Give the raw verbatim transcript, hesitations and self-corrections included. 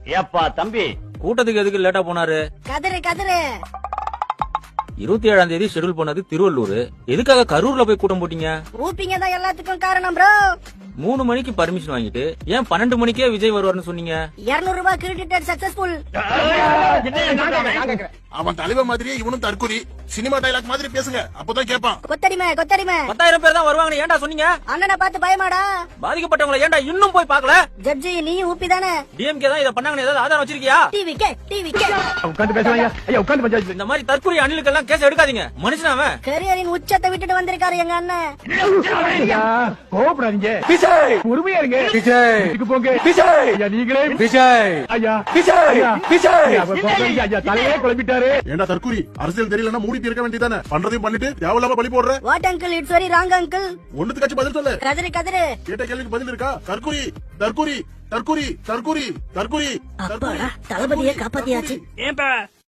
ஏப்பா தம்பி, கூட்டத்துக்கு எதுக்கு லேட்டா போனாரு? கதிரு கதிரு இருபத்தி ஏழாம் தேதி ஷெட்யூல் பண்ணது திருவள்ளூர், எதுக்காக கரூர்ல போய் கூட்டம் போட்டீங்க? ஊப்பிங்க தான் எல்லாத்துக்கும் காரணம் ப்ரோ. மூணு மணிக்கு பர்மிஷன் வாங்கிட்டு ஏன் பன்னெண்டு மணிக்கே விஜய் வருவார்னு சொன்னீங்க? இருநூறு ரூபாய் கிரெடிட் சக்சஸ்ஃபுல். அவன் தலைவர் மாதிரியே இவனும் தற்குறி. சினிமா டைலாக் மாதிரி பேசுங்க, அப்பதான் கேட்பான். கொத்தடிமை கொத்தடிமை. பத்தாயிரம் பேர் தான் வருவாங்கன்னு ஏன்டா சொன்னீங்க? அண்ணனை பார்த்து பயமாடா? பாதிக்கப்பட்டவங்களை ஏன்டா இன்னும் போய் பாக்கல? ஜட்ஜி நீயும் ஊப்பி தானே? டிஎம்கே தான் இத பண்ணாங்கன்னு ஏதாவது ஆதாரம் வச்சிருக்கியா? TV K TV K. உட்கார்ந்து பேசுவாங்க. ஐயா உட்கார்ந்து பஞ்சாயத்து. இந்த மாதிரி தற்கொலை அணிலுக்கெல்லாம் கேஸ் எடுக்காதீங்க. மனுஷன் அவன். கரியரின் உச்சத்தை விட்டுட்டு வந்திருக்காரு எங்க அண்ணன். கோபப்படாதீங்க. விஜய் உரிமையா இருங்க. விஜய் இதுக்கு போங்க. விஜய் ஐயா நீங்களே. விஜய் ஐயா விஜய் விஜய் ஐயா தலையே குழம்பிட்டாரு. ஏண்டா தற்குறி, அரசியல் தெரியலன்னா மூடி இருக்க வேண்டியதானே? பண்றதையும் பண்ணிட்டு தேவையில்லாம பலி போடுற. What uncle, it's very wrong uncle. ஒண்ணுத்துக்காச்சும் பதில் சொல்லு. கதிரு கதிரு. கேட்ட கேள்விக்கு பதில் இருக்கா? தற்குறி தற்குறி தற்குறி தற்குறி தற்குறி அப்பாடா, தளபதியை காப்பாத்தியாச்சு. ஏன்பா